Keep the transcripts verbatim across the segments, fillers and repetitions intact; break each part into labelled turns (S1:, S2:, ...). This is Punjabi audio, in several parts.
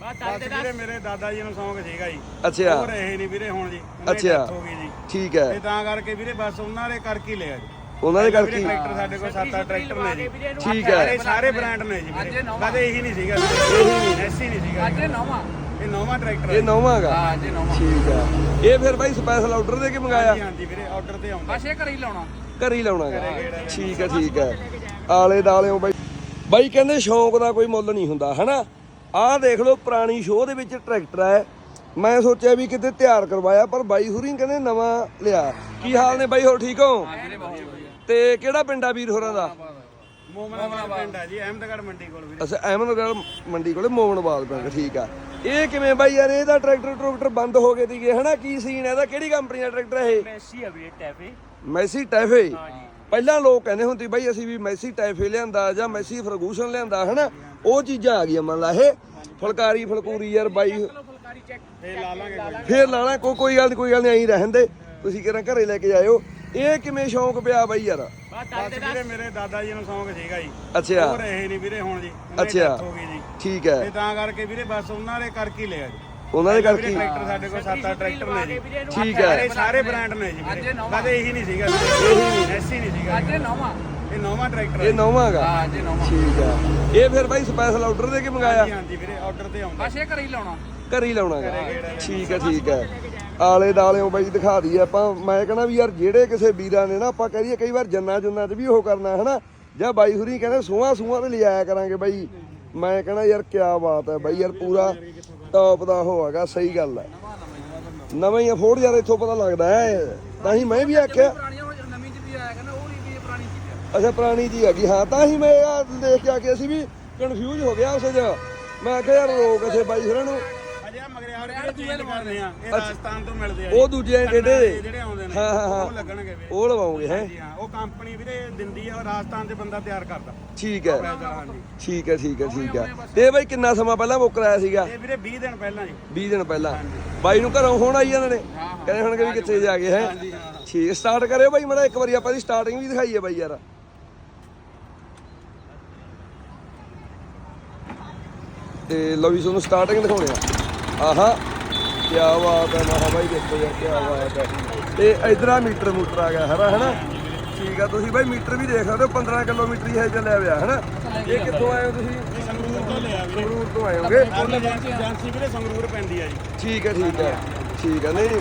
S1: ਬਸ ਵੀਰੇ ਮੇਰੇ ਦਾਦਾ ਜੀ ਨੂੰ ਸ਼ੌਂਕ ਸੀਗਾ ਜੀ।
S2: ਅੱਛਾ
S1: ਉਹ ਰਹੇ ਨਹੀਂ ਵੀਰੇ ਹੁਣ ਜੀ,
S2: ਅੱਛਾ
S1: ਹੋ ਗਈ ਜੀ।
S2: ਠੀਕ ਹੈ
S1: ਤੇ ਤਾਂ ਕਰਕੇ ਵੀਰੇ ਬਸ ਉਹਨਾਂ ਦੇ ਕਰਕੇ ਹੀ ਲਿਆ ਜੀ।
S2: ਉਹਨਾਂ ਦੇ ਕਰਕੇ
S1: ਟਰੈਕਟਰ ਸਾਡੇ ਕੋਲ ਸੱਤ ਅੱਠ ਟਰੈਕਟਰ ਨੇ ਜੀ।
S2: ਠੀਕ ਹੈ
S1: ਸਾਰੇ ਬ੍ਰਾਂਡ ਨੇ ਜੀ ਵੀਰੇ, ਕਦੇ ਇਹੀ ਨਹੀਂ ਸੀਗਾ, ਇਹੀ ਐਸੀ ਨਹੀਂ ਸੀਗਾ।
S3: ਅੱਜ ਨੌਵਾਂ
S1: ਇਹ ਨੌਵਾਂ ਟਰੈਕਟਰ
S2: ਇਹ ਨੌਵਾਂ ਗਾ
S3: ਹਾਂ ਜੀ ਨੌਵਾਂ।
S2: ਠੀਕ ਹੈ। ਇਹ ਫਿਰ ਬਾਈ ਸਪੈਸ਼ਲ ਆਰਡਰ ਦੇ ਕੇ ਮੰਗਾਇਆ?
S1: ਹਾਂਜੀ ਹਾਂਜੀ ਵੀਰੇ ਆਰਡਰ ਤੇ ਆਉਂਦਾ।
S3: ਬਸ ਇਹ ਘਰੇ ਹੀ ਲਾਉਣਾ।
S2: ਘਰ ਹੀ ਲਾਉਣਾ ਗਾ ਠੀਕ ਹੈ ਠੀਕ ਹੈ। ਆਲੇ ਦਾਲਿਓ ਬਾਈ ਬਾਈ ਕਹਿੰਦੇ ਸ਼ੌਂਕ ਦਾ ਕੋਈ ਮੁੱਲ ਨਹੀਂ ਹੁੰਦਾ ਹਨਾ। ਆਹ ਦੇਖ ਲਓ ਪੁਰਾਣੀ ਸ਼ੋਅ ਦੇ ਵਿੱਚ ਟਰੈਕਟਰ ਹੈ। ਮੈਂ ਸੋਚਿਆ ਵੀ ਕਿਤੇ ਤਿਆਰ ਕਰਵਾਇਆ ਪਰ ਬਾਈ ਹੁਰੀ ਕਹਿੰਦੇ ਨਵਾਂ ਲਿਆ। ਕੀ ਹਾਲ ਨੇ ਬਾਈ, ਹੋਰ ਠੀਕ ਹੋ? ਤੇ ਕਿਹੜਾ ਪਿੰਡ ਆ ਵੀਰ ਹੋਰਾਂ ਦਾ?
S1: ਮੋਮਨਾਬਾਦ ਪਿੰਡ ਆ ਜੀ, ਅਹਿਮਦਗੜ੍ਹ ਮੰਡੀ ਕੋਲ ਵੀਰੇ।
S2: ਅੱਛਾ ਅਹਿਮਦਗੜ੍ਹ ਮੰਡੀ ਕੋਲੇ ਮੋਮਨਾਬਾਦ ਪਿੰਡ। ਠੀਕ ਆ। ਇਹ ਕਿਵੇਂ ਬਾਈ ਯਾਰ ਇਹਦਾ ਟਰੈਕਟਰ ਟਰੈਕਟਰ ਬੰਦ ਹੋ ਗਏ ਸੀਗੇ ਹਨਾ, ਕੀ ਸੀਨ ਇਹਦਾ? ਕਿਹੜੀ ਕੰਪਨੀ ਦਾ ਟਰੈਕਟਰ ਇਹ?
S3: ਮੈਸੀ ਆ ਵੀਰੇ ਟੈਫੇ।
S2: ਮੈਸੀ ਟੈਫੇ। ਪਹਿਲਾਂ ਲੋਕ ਕਹਿੰਦੇ ਹੁੰਦੇ ਬਾਈ ਅਸੀਂ ਵੀ ਮੈਸੀ ਟੈਫੇ ਲਿਆਂਦਾ ਜਾਂ ਮੈਸੀ ਫਰਗੂਸਨ ਲਿਆਂਦਾ ਹਨਾ, ਉਹ ਚੀਜ਼ਾਂ ਆ ਗਈਆਂ ਮੰਨ ਲਾ। ਇਹ ਫੁਲਕਾਰੀ ਫਲਕੂਰੀ ਯਾਰ ਬਾਈ
S3: ਫੁਲਕਾਰੀ ਚੈੱਕ
S1: ਫੇਰ ਲਾ ਲਾਂਗੇ ਕੋਈ।
S2: ਫੇਰ ਲਾਣਾ ਕੋਈ ਕੋਈ ਗੱਲ ਨਹੀਂ ਕੋਈ ਗੱਲ ਨਹੀਂ, ਐਂ ਰਹਿਣ ਦੇ ਤੁਸੀਂ ਕਿਹੜਾ ਘਰੇ ਲੈ ਕੇ ਜਾਇਓ। ਇਹ ਕਿਵੇਂ ਸ਼ੌਂਕ ਪਿਆ ਬਾਈ ਯਾਰ?
S1: ਬਸ ਵੀਰੇ ਮੇਰੇ ਦਾਦਾ ਜੀ ਨੂੰ ਸ਼ੌਂਕ ਸੀਗਾ ਜੀ।
S2: ਅੱਛਾ
S1: ਉਹ ਰਹੇ ਨਹੀਂ ਵੀਰੇ ਹੁਣ ਜੀ,
S2: ਅੱਛਾ
S1: ਹੋ ਗਈ ਜੀ।
S2: ਠੀਕ ਹੈ।
S1: ਤੇ ਤਾਂ ਕਰਕੇ ਵੀਰੇ ਬਸ ਉਹਨਾਂ ਦੇ ਕਰਕੇ ਹੀ ਲਿਆ ਜੀ।
S2: ਉਹਨਾਂ ਦੇ ਕਰਕੇ
S1: ਟਰੈਕਟਰ ਸਾਡੇ ਕੋਲ ਸੱਤ ਅੱਠ ਟਰੈਕਟਰ ਨੇ ਜੀ।
S2: ਠੀਕ ਹੈ
S1: ਸਾਰੇ ਬ੍ਰਾਂਡ ਨੇ ਜੀ ਵੀਰੇ, ਕਦੇ ਇਹੀ ਨਹੀਂ ਸੀਗਾ, ਇਹੀ ਐਸੀ ਨਹੀਂ ਸੀਗਾ।
S3: ਅੱਜ ਨੌਵਾਂ
S1: ਇਹ ਨੌਵਾਂ ਟਰੈਕਟਰ
S2: ਇਹ ਨੌਵਾਂ ਗਾ
S3: ਹਾਂ ਜੀ ਨੌਵਾਂ।
S2: ਠੀਕ ਹੈ। ਇਹ ਫਿਰ ਬਾਈ ਸਪੈਸ਼ਲ ਆਰਡਰ ਦੇ ਕੇ ਮੰਗਾਇਆ?
S1: ਹਾਂਜੀ ਹਾਂਜੀ ਵੀਰੇ ਆਰਡਰ ਤੇ ਆਉਂਦਾ।
S3: ਬਸ ਇਹ ਘਰੇ ਹੀ ਲਾਉਣਾ।
S2: ਘਰ ਹੀ ਲਾਉਣਾ ਗਾ ਠੀਕ ਹੈ ਠੀਕ ਹੈ। ਆਲੇ ਦਾਲਿਓ ਬਾਈ ਦਿਖਾ ਦਈਏ ਆਪਾਂ। ਮੈਂ ਕਹਿੰਦਾ ਵੀ ਯਾਰ ਜਿਹੜੇ ਕਿਸੇ ਵੀਰਾਂ ਨੇ ਨਾ ਆਪਾਂ ਕਹਿ ਦਈਏ ਕਈ ਵਾਰ ਜੰਨਾ ਜੁੰਨਾ 'ਚ ਵੀ ਉਹ ਕਰਨਾ ਹਨਾ, ਜਾਂ ਬਾਈ ਹੁਰੀ ਕਹਿੰਦੇ ਸੂਹਾਂ ਸੂਹਾਂ ਤੇ ਲਿਆਇਆ ਕਰਾਂਗੇ ਬਾਈ। ਮੈਂ ਕਹਿੰਦਾ ਯਾਰ ਕਿਆ ਬਾਤ ਹੈ ਬਾਈ ਯਾਰ, ਪੂਰਾ ਟੌਪ ਦਾ ਉਹ ਹੈਗਾ। ਸਹੀ ਗੱਲ ਹੈ, ਨਵਾਂ ਹੀ ਅਫੋਰਡ ਯਾਰ ਇੱਥੋਂ ਪਤਾ ਲੱਗਦਾ ਹੈ। ਤਾਂ ਹੀ ਮੈਂ ਵੀ ਆਖਿਆ
S3: ਪੁਰਾਣੀਆਂ ਹੋ ਨਵੀਂ ਚ ਵੀ ਆਇਆ ਕਹਿੰਦਾ ਉਹ ਨਹੀਂ ਵੀ ਪੁਰਾਣੀ ਚੀਜ਼
S2: ਅੱਛਾ ਪੁਰਾਣੀ ਜੀ ਹੈਗੀ ਹਾਂ। ਤਾਂ ਹੀ ਮੈਂ ਆ ਦੇਖ ਕੇ ਆ ਕੇ ਅਸੀਂ ਵੀ ਕਨਫਿਊਜ਼ ਹੋ ਗਿਆ ਉਸ 'ਚ। ਮੈਂ ਆਖਿਆ ਯਾਰ ਰੋਕ ਇੱਥੇ ਬਾਈ ਹੋਰਾਂ ਨੂੰ।
S1: ਅਜੇ ਮਗਰਿਆੜ ਜਿਹੜੇ ਚੇਂਜ ਕਰਦੇ ਆ ਇਹ ਰਾਜਸਥਾਨ ਤੋਂ ਮਿਲਦੇ ਆ।
S2: ਉਹ ਦੂਜੇ ਡੇਡੇ
S1: ਜਿਹੜੇ ਆਉਂਦੇ ਨੇ
S2: ਹਾਂ ਹਾਂ ਹਾਂ
S1: ਉਹ ਲੱਗਣਗੇ ਵੀਰੇ।
S2: ਉਹ ਲਵਾਉਂਗੇ ਹੈ।
S1: ਜੀ ਹਾਂ, ਉਹ ਕੰਪਨੀ ਵੀਰੇ ਦਿੰਦੀ ਆ, ਉਹ ਰਾਜਸਥਾਨ 'ਚ ਬੰਦਾ ਤਿਆਰ ਕਰਦਾ।
S2: ਠੀਕ ਹੈ
S1: ਹਾਂਜੀ
S2: ਠੀਕ ਹੈ ਠੀਕ ਹੈ ਠੀਕ ਹੈ। ਤੇ ਬਾਈ ਕਿੰਨਾ ਸਮਾਂ ਪਹਿਲਾਂ ਬੁੱਕ ਕਰਾਇਆ ਸੀਗਾ?
S1: ਇਹ ਵੀਰੇ ਵੀਹ ਦਿਨ ਪਹਿਲਾਂ ਜੀ।
S2: ਵੀਹ ਦਿਨ ਪਹਿਲਾਂ ਬਾਈ ਨੂੰ ਘਰੋਂ ਹੁਣ ਆਈ ਜਾਂਦੇ ਨੇ, ਕਹਿੰਦੇ ਹੁਣ ਵੀ ਕਿੱਥੇ ਜਾ ਗਏ ਹੈ। ਠੀਕ ਸਟਾਰਟ ਕਰਿਓ ਬਾਈ ਮੜਾ ਇੱਕ ਵਾਰੀ, ਆਪਾਂ ਦੀ ਸਟਾਰਟਿੰਗ ਵੀ ਦਿਖਾਈਏ ਬਾਈ ਯਾਰ। ਤੇ ਲਓ ਵੀ ਤੁਹਾਨੂੰ ਸਟਾਰਟਿੰਗ ਦਿਖਾਉਣੇ ਆ। ਆਹਾ ਕੀ ਬਾਤ ਹੈ ਮਹਾ ਬਾਈ, ਦੇਖੋ ਯਾਰ ਕੀ ਬਾਤ ਹੈ। ਤੇ ਇਧਰ ਆ ਮੀਟਰ ਮੂਟਰ ਆ ਗਿਆ ਹਰਾ ਹਨਾ। ਠੀਕ ਆ, ਤੁਸੀਂ ਬਾਈ ਮੀਟਰ ਵੀ ਦੇਖ ਸਕਦੇ ਹੋ। ਪੰਦਰਾਂ ਕਿਲੋਮੀਟਰ ਹੀ ਹੈ ਚੱਲਿਆ ਪਿਆ ਹਨਾ। ਇਹ ਕਿੱਥੋਂ ਆਏ ਹੋ ਤੁਸੀਂ?
S1: ਸੰਗਰੂਰ ਤੋਂ ਲਿਆ ਵੀਰੇ।
S2: ਸੰਗਰੂਰ ਤੋਂ ਆਏ ਹੋਗੇ?
S1: ਏਜੰਸੀ ਵੀਰੇ ਸੰਗਰੂਰ ਪੈਂਦੀ ਆ ਜੀ।
S2: ਠੀਕ ਹੈ ਠੀਕ ਹੈ ਠੀਕ ਹੈ। ਨਹੀਂ ਨਹੀਂ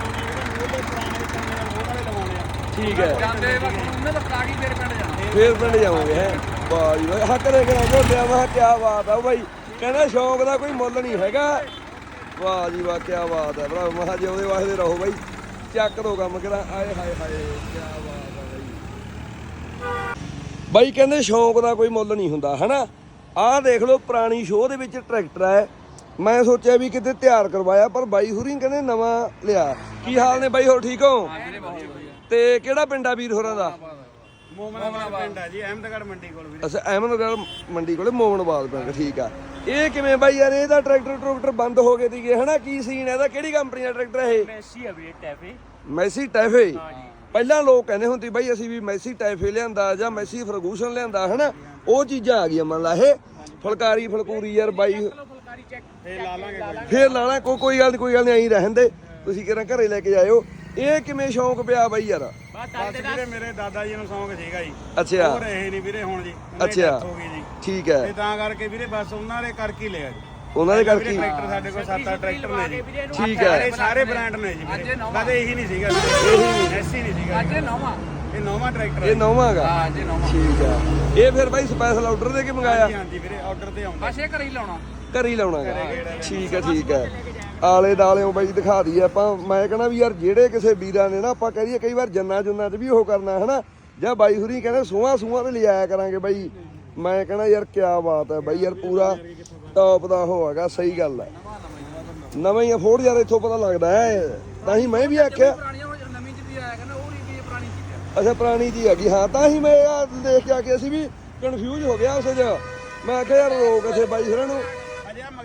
S2: ਠੀਕ ਹੈ।
S3: ਜਾਂਦੇ ਵਕਤ ਉਹਨਾਂ ਦਾ ਪਲਾਗੀ ਫੇਰ ਪਿੰਡ ਜਾਣਾ।
S2: ਫੇਰ ਪਿੰਡ ਜਾਵਾਂਗੇ ਹੈ। ਵਾਹ ਜੀ ਵਾਹ, ਹੱਕ ਦੇ ਕਰਾਂ ਝੋਟਿਆ। ਮੈਂ ਕਿਹਾ ਕੀ ਬਾਤ ਆ ਬਾਈ, ਕਹਿੰਦਾ ਸ਼ੌਂਕ ਦਾ ਕੋਈ ਮੁੱਲ ਨਹੀਂ ਹੈਗਾ। ਵਾਹ ਜੀ ਵਾਹ ਕੀ ਬਾਤ ਹੈ ਭਰਾ। ਮਹਾ ਜੀ ਉਹਦੇ ਵਾਸਤੇ ਰਹੋ ਬਾਈ, ਚੱਕ ਦੋ ਕੰਮ ਕਿਹੜਾ। ਆਏ ਹਾਏ ਹਾਏ ਕੀ ਬਾਤ ਆ ਬਾਈ। ਬਾਈ ਕਹਿੰਦੇ ਸ਼ੌਂਕ ਦਾ ਕੋਈ ਮੁੱਲ ਨਹੀਂ ਹੁੰਦਾ ਹਨਾ। ਆਹ ਦੇਖ ਲਓ ਪੁਰਾਣੀ ਸ਼ੋਅ ਦੇ ਵਿੱਚ ਟਰੈਕਟਰ ਹੈ। ਮੈਂ ਸੋਚਿਆ ਵੀ ਕਿਤੇ ਤਿਆਰ ਕਰਵਾਇਆ ਪਰ ਬਾਈ ਹੁਰੀ ਕਹਿੰਦੇ ਨਵਾਂ ਲਿਆ। ਕੀ ਹਾਲ ਨੇ ਬਾਈ, ਹੋਰ ਠੀਕ ਹੋ? ਤੇ ਕਿਹੜਾ ਪਿੰਡ ਆ ਵੀਰ ਹੋਰਾਂ ਦਾ?
S1: ਮੋਮਨਾਬਾਦ ਪਿੰਡ ਆ ਜੀ, ਅਹਿਮਦਗੜ੍ਹ ਮੰਡੀ ਕੋਲ ਵੀਰੇ।
S2: ਅੱਛਾ ਅਹਿਮਦਗੜ੍ਹ ਮੰਡੀ ਕੋਲੇ ਮੋਮਨਾਬਾਦ ਪਿੰਡ। ਠੀਕ ਆ। ਇਹ ਕਿਵੇਂ ਬਾਈ ਯਾਰ ਇਹਦਾ ਟਰੈਕਟਰ ਟਰੈਕਟਰ ਬੰਦ ਹੋ ਗਏ ਸੀਗੇ ਹਨਾ, ਕੀ ਸੀਨ ਇਹਦਾ? ਕਿਹੜੀ ਕੰਪਨੀ ਦਾ ਟਰੈਕਟਰ ਇਹ?
S3: ਮੈਸੀ ਆ ਵੀਰੇ ਟੈਫੇ।
S2: ਮੈਸੀ ਟੈਫੇ। ਪਹਿਲਾਂ ਲੋਕ ਕਹਿੰਦੇ ਹੁੰਦੇ ਬਾਈ ਅਸੀਂ ਵੀ ਮੈਸੀ ਟੈਫੇ ਲਿਆਂਦਾ ਜਾਂ ਮੈਸੀ ਫਰਗੂਸਨ ਲਿਆਂਦਾ ਹਨਾ, ਉਹ ਚੀਜ਼ਾਂ ਆ ਗਈਆਂ ਮੰਨ ਲਾ। ਇਹ ਫੁਲਕਾਰੀ ਫਲਕੂਰੀ ਯਾਰ ਬਾਈ
S3: ਫੁਲਕਾਰੀ ਚੈੱਕ
S1: ਫੇਰ ਲਾ ਲਾਂਗੇ ਕੋਈ।
S2: ਫੇਰ ਲਾਣਾ ਕੋਈ ਕੋਈ ਗੱਲ ਨਹੀਂ ਕੋਈ ਗੱਲ ਨਹੀਂ, ਐਂ ਰਹਿਣ ਦੇ ਤੁਸੀਂ ਕਿਹੜਾ ਘਰੇ ਲੈ ਕੇ ਜਾਇਓ। ਇਹ ਕਿਵੇਂ ਸ਼ੌਂਕ ਪਿਆ ਬਾਈ ਯਾਰ?
S1: ਬਸ ਵੀਰੇ ਮੇਰੇ ਦਾਦਾ ਜੀ ਨੂੰ ਸ਼ੌਂਕ ਸੀਗਾ ਜੀ।
S2: ਅੱਛਾ
S1: ਉਹ ਰਹੇ ਨਹੀਂ ਵੀਰੇ ਹੁਣ ਜੀ,
S2: ਅੱਛਾ
S1: ਹੋ ਗਈ ਜੀ।
S2: ਠੀਕ ਹੈ।
S1: ਤੇ ਤਾਂ ਕਰਕੇ ਵੀਰੇ ਬਸ ਉਹਨਾਂ ਦੇ ਕਰਕੇ ਹੀ ਲਿਆ ਜੀ।
S2: ਉਹਨਾਂ ਦੇ ਕਰਕੇ
S1: ਟਰੈਕਟਰ ਸਾਡੇ ਕੋਲ ਸੱਤ ਅੱਠ ਟਰੈਕਟਰ ਨੇ ਜੀ।
S2: ਠੀਕ ਹੈ
S1: ਸਾਰੇ ਬ੍ਰਾਂਡ ਨੇ ਜੀ ਵੀਰੇ, ਕਦੇ ਇਹੀ ਨਹੀਂ ਸੀਗਾ, ਇਹੀ ਐਸੀ ਨਹੀਂ ਸੀਗਾ।
S3: ਅੱਜ ਨੌਵਾਂ
S1: ਇਹ ਨੌਵਾਂ ਟਰੈਕਟਰ
S2: ਇਹ ਨੌਵਾਂ ਗਾ
S3: ਹਾਂ ਜੀ ਨੌਵਾਂ।
S2: ਠੀਕ ਹੈ। ਇਹ ਫਿਰ ਬਾਈ ਸਪੈਸ਼ਲ ਆਰਡਰ ਦੇ ਕੇ ਮੰਗਾਇਆ?
S1: ਹਾਂਜੀ ਹਾਂਜੀ ਵੀਰੇ ਆਰਡਰ ਤੇ ਆਉਂਦਾ।
S3: ਬਸ ਇਹ ਘਰੇ ਹੀ ਲਾਉਣਾ।
S2: ਘਰ ਹੀ ਲਾਉਣਾ ਗਾ ਠੀਕ ਹੈ ਠੀਕ ਹੈ। ਆਲੇ ਦਾਲਿਓ ਬਾਈ ਦਿਖਾ ਦਈਏ ਆਪਾਂ। ਮੈਂ ਕਹਿੰਦਾ ਵੀ ਯਾਰ ਜਿਹੜੇ ਕਿਸੇ ਵੀਰਾਂ ਨੇ ਨਾ ਆਪਾਂ ਕਹਿ ਦਈਏ ਕਈ ਵਾਰ ਜੰਨਾ ਜੁੰਨਾ 'ਚ ਵੀ ਉਹ ਕਰਨਾ ਹਨਾ, ਜਾਂ ਬਾਈ ਹੁਰੀ ਕਹਿੰਦੇ ਸੂਹਾਂ ਸੂਹਾਂ ਤੇ ਲਿਆਇਆ ਕਰਾਂਗੇ ਬਾਈ। ਮੈਂ ਕਹਿੰਦਾ ਯਾਰ ਕਿਆ ਬਾਤ ਹੈ ਬਾਈ ਯਾਰ, ਪੂਰਾ ਟੌਪ ਦਾ ਉਹ ਹੈਗਾ। ਸਹੀ ਗੱਲ ਹੈ, ਨਵਾਂ ਹੀ ਅਫੋਰਡ ਯਾਰ ਇੱਥੋਂ ਪਤਾ ਲੱਗਦਾ ਹੈ। ਤਾਂ ਹੀ ਮੈਂ ਵੀ ਆਖਿਆ
S3: ਪੁਰਾਣੀਆਂ ਹੋ ਨਵੀਂ ਚ ਵੀ ਆਇਆ ਕਹਿੰਦਾ ਉਹ ਨਹੀਂ ਵੀ ਪੁਰਾਣੀ ਚੀਜ਼
S2: ਅੱਛਾ ਪੁਰਾਣੀ ਜੀ ਹੈਗੀ ਹਾਂ। ਤਾਂ ਹੀ ਮੈਂ ਆ ਦੇਖ ਕੇ ਆ ਕੇ ਅਸੀਂ ਵੀ ਕਨਫਿਊਜ਼ ਹੋ ਗਿਆ ਉਸ 'ਚ। ਮੈਂ ਆਖਿਆ ਯਾਰ ਰੋਕ ਇੱਥੇ ਬਾਈ ਹੋਰਾਂ ਨੂੰ।
S1: ਅਜੇ ਮਗਰਿਆੜ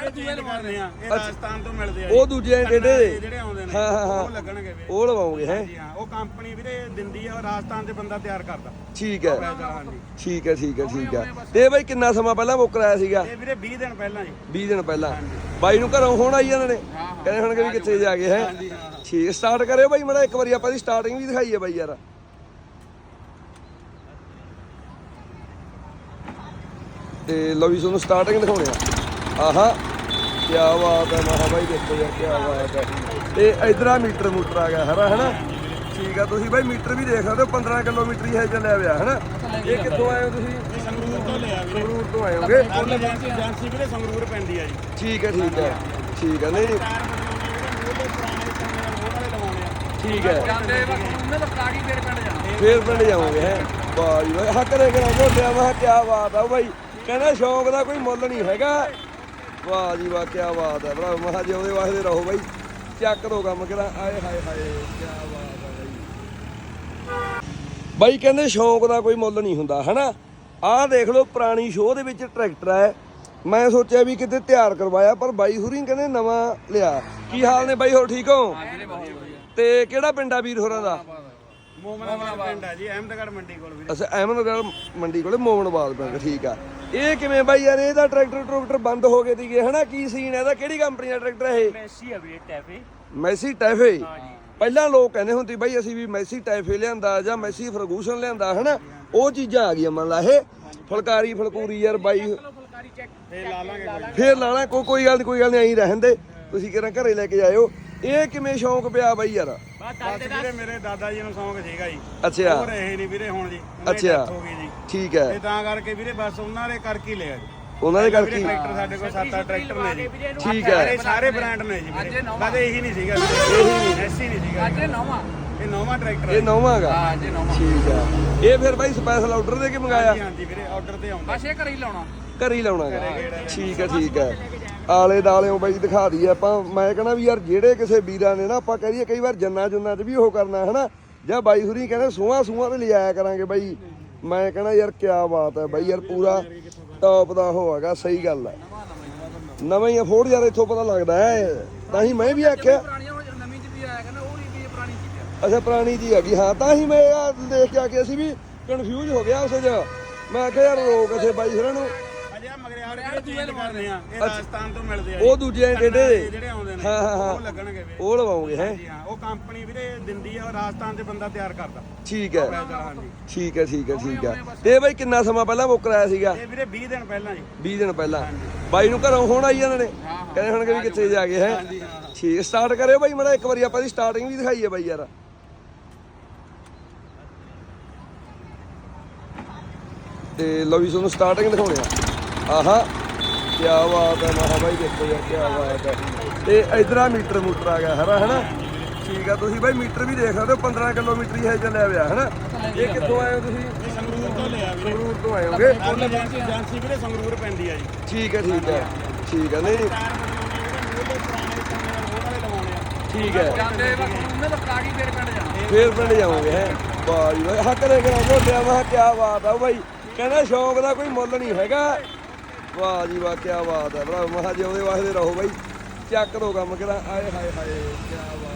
S1: ਇਹ ਚੇਂਜ ਕਰਨੇ ਆ ਇਹ ਰਾਜਸਥਾਨ ਤੋਂ ਮਿਲਦੇ ਆ
S2: ਉਹ ਦੂਜੇ ਜਿਹੜੇ
S1: ਜਿਹੜੇ ਆਉਂਦੇ ਨੇ
S2: ਹਾਂ ਹਾਂ ਹਾਂ
S1: ਉਹ ਲੱਗਣਗੇ ਵੀਰੇ
S2: ਉਹ ਲਵਾਉਂਗੇ ਹੈ
S1: ਜੀ ਹਾਂ ਉਹ ਕੰਪਨੀ ਵੀਰੇ ਦਿੰਦੀ ਆ ਉਹ ਰਾਜਸਥਾਨ 'ਚ ਬੰਦਾ ਤਿਆਰ ਕਰਦਾ
S2: ਠੀਕ ਹੈ
S1: ਹਾਂਜੀ
S2: ਠੀਕ ਹੈ ਠੀਕ ਹੈ ਠੀਕ ਹੈ ਤੇ ਬਾਈ ਕਿੰਨਾ ਸਮਾਂ ਪਹਿਲਾਂ ਬੁੱਕ ਕਰਾਇਆ ਸੀਗਾ
S1: ਇਹ ਵੀਰੇ ਵੀਹ ਦਿਨ ਪਹਿਲਾਂ ਜੀ
S2: ਵੀਹ ਦਿਨ ਪਹਿਲਾਂ ਬਾਈ ਨੂੰ ਘਰੋਂ ਹੁਣ ਆਈ ਜਾਂਦੇ ਨੇ ਕਹਿੰਦੇ ਹੁਣ ਕਿ ਕਿੱਥੇ ਜਾ ਗਏ ਹੈ ਠੀਕ ਸਟਾਰਟ ਕਰਿਓ ਬਾਈ ਮੜਾ ਇੱਕ ਵਾਰੀ ਆਪਾਂ ਦੀ ਸਟਾਰਟਿੰਗ ਵੀ ਦਿਖਾਈਏ ਬਾਈ ਯਾਰ ਤੇ ਲਓ ਵੀ ਤੁਹਾਨੂੰ ਸਟਾਰਟਿੰਗ ਦਿਖਾਉਣੇ ਆ ਆਹਾ ਕੀ ਬਾਤ ਹੈ ਮਹਾ ਬਾਈ ਦੇਖੋ ਯਾਰ ਕੀ ਬਾਤ ਹੈ ਤੇ ਇਧਰ ਆ ਮੀਟਰ ਮੂਟਰ ਆ ਗਿਆ ਹਰਾ ਹਨਾ ਠੀਕ ਆ ਤੁਸੀਂ ਬਾਈ ਮੀਟਰ ਵੀ ਦੇਖ ਸਕਦੇ ਹੋ ਪੰਦਰਾਂ ਕਿਲੋਮੀਟਰ ਹੀ ਹੈ ਚੱਲਿਆ ਹੋਇਆ ਹਨਾ ਇਹ ਕਿੱਥੋਂ ਆਏ ਹੋ ਤੁਸੀਂ
S1: ਸੰਗਰੂਰ ਤੋਂ ਲਿਆ ਵੀਰੇ
S2: ਸੰਗਰੂਰ ਤੋਂ ਆਏ ਹੋਗੇ
S1: ਫੁੱਲ ਏਜੰਸੀ ਏਜੰਸੀ ਵੀਰੇ ਸੰਗਰੂਰ ਪੈਂਦੀ ਆ ਜੀ
S2: ਠੀਕ ਹੈ ਠੀਕ ਹੈ ਠੀਕ ਹੈ ਨਹੀਂ ਨਹੀਂ ਠੀਕ ਹੈ
S3: ਜਾਂਦੇ ਬਸ ਉਹਨਾਂ ਦਾ ਪਲਾਟ ਹੀ ਫੇਰ ਪਿੰਡ ਜਾਣਾ
S2: ਫੇਰ ਪਿੰਡ ਜਾਵਾਂਗੇ ਹੈ ਵਾਹ ਜੀ ਵਾਹ ਹੱਕ ਦੇ ਕਰਾਂ ਝੋਟਿਆ ਮੈਂ ਕੀ ਬਾਤ ਆ ਬਾਈ ਕਹਿੰਦਾ ਸ਼ੌਂਕ ਦਾ ਕੋਈ ਮੁੱਲ ਨਹੀਂ ਹੈਗਾ ਵਾਹ ਜੀ ਵਾਹ ਕੀ ਬਾਤ ਹੈ ਭਰਾ ਮਹਾ ਜੀ ਉਹਦੇ ਵਾਸਤੇ ਰਹੋ ਬਾਈ ਚੱਕ ਦੋ ਕੰਮ ਕਿਹੜਾ ਆਏ ਹਾਏ ਹਾਏ ਕੀ ਬਾਤ ਆ ਬਾਈ ਬਾਈ ਕਹਿੰਦੇ ਸ਼ੌਂਕ ਦਾ ਕੋਈ ਮੁੱਲ ਨਹੀਂ ਹੁੰਦਾ ਹਨਾ ਆਹ ਦੇਖ ਲਓ ਪੁਰਾਣੀ ਸ਼ੋਅ ਦੇ ਵਿੱਚ ਟਰੈਕਟਰ ਹੈ ਮੈਂ ਸੋਚਿਆ ਵੀ ਕਿਤੇ ਤਿਆਰ ਕਰਵਾਇਆ ਪਰ ਬਾਈ ਹੁਰੀ ਕਹਿੰਦੇ ਨਵਾਂ ਲਿਆ ਕੀ ਹਾਲ ਨੇ ਬਾਈ ਹੋਰ ਠੀਕ ਹੋ ਤੇ ਕਿਹੜਾ ਪਿੰਡ ਆ ਵੀਰ ਹੋਰਾਂ ਦਾ
S1: ਮੋਮਨਾਬਾਦ ਪਿੰਡ ਆ ਜੀ ਅਹਿਮਦਗੜ੍ਹ ਮੰਡੀ ਕੋਲ ਵੀਰੇ
S2: ਅੱਛਾ ਅਹਿਮਦਗੜ੍ਹ ਮੰਡੀ ਕੋਲੇ ਮੋਮਨਬਾਦ ਪਿੰਡ ਠੀਕ ਆ ਇਹ ਕਿਵੇਂ ਬਾਈ ਯਾਰ ਇਹਦਾ ਟਰੈਕਟਰ ਟਰੈਕਟਰ ਬੰਦ ਹੋ ਗਏ ਸੀਗੇ ਹਨਾ ਕੀ ਸੀਨ ਹੈ ਇਹਦਾ ਕਿਹੜੀ ਕੰਪਨੀ ਦਾ ਟਰੈਕਟਰ ਹੈ ਇਹ
S3: ਮੈਸੀ ਆ ਵੀਰੇ ਟੈਫੇ
S2: ਮੈਸੀ ਟੈਫੇ ਪਹਿਲਾਂ ਲੋਕ ਕਹਿੰਦੇ ਹੁੰਦੇ ਬਾਈ ਅਸੀਂ ਵੀ ਮੈਸੀ ਟੈਫੇ ਲਿਆਂਦਾ ਜਾਂ ਮੈਸੀ ਫਰਗੂਸਨ ਲਿਆਂਦਾ ਹਨਾ ਉਹ ਚੀਜ਼ਾਂ ਆ ਗਈਆਂ ਮੰਨ ਲਾ ਇਹ ਫੁਲਕਾਰੀ ਫਲਕੂਰੀ ਯਾਰ ਬਾਈ
S3: ਫੁਲਕਾਰੀ ਚੈੱਕ
S1: ਫੇਰ ਲਾ ਲਾਂਗੇ ਕੋਈ
S2: ਫੇਰ ਲਾਣਾ ਕੋਈ ਕੋਈ ਗੱਲ ਨਹੀਂ ਕੋਈ ਗੱਲ ਨਹੀਂ ਐਂ ਰਹਿਣ ਦੇ ਤੁਸੀਂ ਕਿਹੜਾ ਘਰੇ ਲੈ ਕੇ ਜਾਇਓ ਇਹ ਕਿਵੇਂ ਸ਼ੌਂਕ ਪਿਆ ਬਾਈ ਯਾਰ
S1: ਬਸ ਵੀਰੇ ਮੇਰੇ ਦਾਦਾ ਜੀ ਨੂੰ ਸ਼ੌਂਕ ਸੀਗਾ ਜੀ
S2: ਅੱਛਾ
S1: ਉਹ ਰਹੇ ਨਹੀਂ ਵੀਰੇ ਹੁਣ ਜੀ ਉਹਨਾਂ ਦੀ
S2: ਅੱਛਾ।
S1: death ਹੋ ਗਈ ਜੀ
S2: ਠੀਕ ਹੈ
S1: ਤੇ ਤਾਂ ਕਰਕੇ ਵੀਰੇ ਬਸ ਉਹਨਾਂ ਦੇ ਕਰਕੇ ਹੀ ਲਿਆ ਜੀ
S2: ਉਹਨਾਂ ਦੇ
S1: ਵੀਰੇ
S2: ਕਰਕੇ
S1: ਟਰੈਕਟਰ ਸਾਡੇ ਕੋਲ ਸੱਤ ਅੱਠ ਟਰੈਕਟਰ ਨੇ ਜੀ
S2: ਠੀਕ ਹੈ
S1: ਸਾਰੇ ਸਾਰੇ ਬ੍ਰਾਂਡ ਨੇ ਜੀ
S3: ਅੱਜ
S1: ਵੀਰੇ
S3: ਇਹ ਨਵਾਂ।
S1: ਬਸ ਇਹੀ ਨਹੀਂ ਸੀਗਾ ਵੀਰੇ ਇਹੀ ਨਹੀਂ ਐਸੀ ਨਹੀਂ ਸੀਗਾ
S3: ਅੱਜ ਇਹ ਨਵਾਂ
S1: ਇਹ ਨਵਾਂ ਟਰੈਕਟਰ
S2: ਇਹ ਨੌਵਾਂ ਗਾ
S3: ਹਾਂ ਅੱਜ ਇਹ ਨਵਾਂ
S2: ਠੀਕ ਆ ਇਹ ਫਿਰ ਬਾਈ ਸਪੈਸ਼ਲ ਆਰਡਰ ਦੇ ਕੇ ਮੰਗਾਇਆ
S1: ਹਾਂਜੀ ਹਾਂਜੀ ਵੀਰੇ ਆਰਡਰ ਤੇ ਆਉਂਦਾ
S3: ਬਸ ਇਹ ਘਰੇ ਹੀ ਲਾਉਣਾ
S2: ਘਰ ਹੀ ਲਾਉਣਾ ਗਾ ਠੀਕ ਹੈ ਠੀਕ ਹੈ ਆਲੇ ਦਾਲਿਓ ਬਾਈ ਦਿਖਾ ਦਈਏ ਆਪਾਂ ਮੈਂ ਕਹਿੰਦਾ ਵੀ ਯਾਰ ਜਿਹੜੇ ਕਿਸੇ ਵੀਰਾਂ ਨੇ ਨਾ ਆਪਾਂ ਕਹੀਏ ਕਈ ਵਾਰ ਜੰਨਾ ਜੁੰਨਾ 'ਚ ਵੀ ਉਹ ਕਰਨਾ ਹਨਾ ਜਾਂ ਬਾਈ ਹੁਰੀ ਕਹਿੰਦੇ ਸੂਹਾਂ ਸੂਹਾਂ ਤੇ ਲਿਆਇਆ ਕਰਾਂਗੇ ਬਾਈ ਮੈਂ ਕਹਿੰਦਾ ਯਾਰ ਕੀ ਬਾਤ ਹੈ ਬਾਈ ਯਾਰ ਪੂਰਾ ਟੌਪ ਦਾ ਉਹ ਹੈਗਾ ਸਹੀ ਗੱਲ ਹੈ ਨਵਾਂ ਹੀ ਅਫੋਰਡ ਯਾਰ ਇੱਥੋਂ ਪਤਾ ਲੱਗਦਾ ਹੈ ਤਾਂ ਹੀ ਮੈਂ ਵੀ ਆਖਿਆ
S3: ਪੁਰਾਣੀਆਂ ਹੋ ਨਵੀਂ ਚ ਵੀ ਆਇਆ ਕਹਿੰਦਾ ਉਹ ਨਹੀਂ ਵੀ ਇਹ ਪੁਰਾਣੀ ਚੀਜ਼ ਆ
S2: ਅੱਛਾ ਪੁਰਾਣੀ ਜੀ ਹੈਗੀ ਹਾਂ ਤਾਂ ਹੀ ਮੈਂ ਆਹ ਦੇਖ ਕੇ ਆ ਕੇ ਅਸੀਂ ਵੀ ਕਨਫਿਊਜ਼ ਹੋ ਗਿਆ ਉਸ 'ਚ ਮੈਂ ਆਖਿਆ ਯਾਰ ਰੋਕ ਇੱਥੇ ਬਾਈ ਹੋਰਾਂ ਨੂੰ
S1: ਅਜੇ ਆ ਮਗਰਿਆੜ ਜਿਹੜੇ ਚੇਂਜ ਕਰਨੇ ਆ ਇਹ ਰਾਜਸਥਾਨ ਤੋਂ ਮਿਲਦੇ ਆ
S2: ਉਹ ਦੂਜੇ ਜਿਹੜੇ
S1: ਜਿਹੜੇ ਆਉਂਦੇ ਨੇ
S2: ਹਾਂ ਹਾਂ ਹਾਂ
S1: ਉਹ ਲੱਗਣਗੇ ਵੀਰੇ
S2: ਉਹ ਲਵਾਉਂਗੇ ਹੈ
S1: ਜੀ ਹਾਂ ਉਹ ਕੰਪਨੀ ਵੀਰੇ ਦਿੰਦੀ ਆ ਉਹ ਰਾਜਸਥਾਨ 'ਚ ਬੰਦਾ ਤਿਆਰ ਕਰਦਾ
S2: ਠੀਕ ਹੈ
S1: ਹਾਂਜੀ
S2: ਠੀਕ ਹੈ ਠੀਕ ਹੈ ਠੀਕ ਹੈ ਤੇ ਬਾਈ ਕਿੰਨਾ ਸਮਾਂ ਪਹਿਲਾਂ ਬੁੱਕ ਕਰਾਇਆ ਸੀਗਾ
S1: ਇਹ ਵੀਰੇ ਵੀਹ ਦਿਨ ਪਹਿਲਾਂ ਜੀ
S2: ਵੀਹ ਦਿਨ ਪਹਿਲਾਂ ਬਾਈ ਨੂੰ ਘਰੋਂ ਹੁਣ ਆਈ ਜਾਂਦੇ ਨੇ ਕਹਿੰਦੇ ਹੁਣ ਕਿ ਕਿੱਥੇ ਜਾ ਗਏ ਹੈ ਠੀਕ ਸਟਾਰਟ ਕਰਿਓ ਬਾਈ ਮੜਾ ਇੱਕ ਵਾਰੀ ਆਪਾਂ ਦੀ ਸਟਾਰਟਿੰਗ ਵੀ ਦਿਖਾਈਏ ਬਾਈ ਯਾਰ ਤੇ ਲਓ ਵੀ ਤੁਹਾਨੂੰ ਸਟਾਰਟਿੰਗ ਦਿਖਾਉਣੇ ਆ ਆਹਾ ਕੀ ਬਾਤ ਹੈ ਮਹਾ ਬਾਈ ਦੇਖੋ ਯਾਰ ਕੀ ਬਾਤ ਹੈ ਤੇ ਇਧਰ ਆ ਮੀਟਰ ਮੂਟਰ ਆ ਗਿਆ ਹਰਾ ਹਨਾ ਠੀਕ ਆ ਤੁਸੀਂ ਬਾਈ ਮੀਟਰ ਵੀ ਦੇਖ ਸਕਦੇ ਹੋ ਪੰਦਰਾਂ ਕਿਲੋਮੀਟਰ ਹੀ ਹੈ ਚੱਲਿਆ ਹੋਇਆ ਹਨਾ ਇਹ ਕਿੱਥੋਂ ਆਏ ਹੋ ਤੁਸੀਂ
S1: ਸੰਗਰੂਰ ਤੋਂ ਲਿਆ ਵੀਰੇ
S2: ਸੰਗਰੂਰ ਤੋਂ ਆਏ ਹੋਗੇ
S1: ਫੁੱਲ ਏਜੰਸੀ ਏਜੰਸੀ ਵੀਰੇ ਸੰਗਰੂਰ ਪੈਂਦੀ ਆ ਜੀ
S2: ਠੀਕ ਹੈ ਠੀਕ ਹੈ ਠੀਕ ਹੈ ਨਹੀਂ ਨਹੀਂ ਠੀਕ ਹੈ
S3: ਜਾਂਦੇ ਬਸ ਉਹਨਾਂ ਦਾ ਪਲਾਟ ਹੀ ਫੇਰ ਪਿੰਡ ਜਾਣਾ
S2: ਫੇਰ ਪਿੰਡ ਜਾਵਾਂਗੇ ਹੈ ਵਾਹ ਜੀ ਵਾਹ ਹੱਕ ਦੇ ਕਰਾਂ ਝੋਟਿਆ ਮੈਂ ਕੀ ਬਾਤ ਆ ਬਾਈ ਕਹਿੰਦਾ ਸ਼ੌਂਕ ਦਾ ਕੋਈ ਮੁੱਲ ਨਹੀਂ ਹੈਗਾ ਵਾਹ ਜੀ ਵਾਹ ਕੀ ਬਾਤ ਹੈ ਭਰਾ ਮਹਾ ਜੀ ਉਹਦੇ ਵਾਸਤੇ ਰਹੋ ਬਾਈ ਚੱਕ ਦੋ ਕੰਮ ਕਿਹੜਾ ਆਏ ਹਾਏ ਹਾਏ ਕੀ ਬਾਤ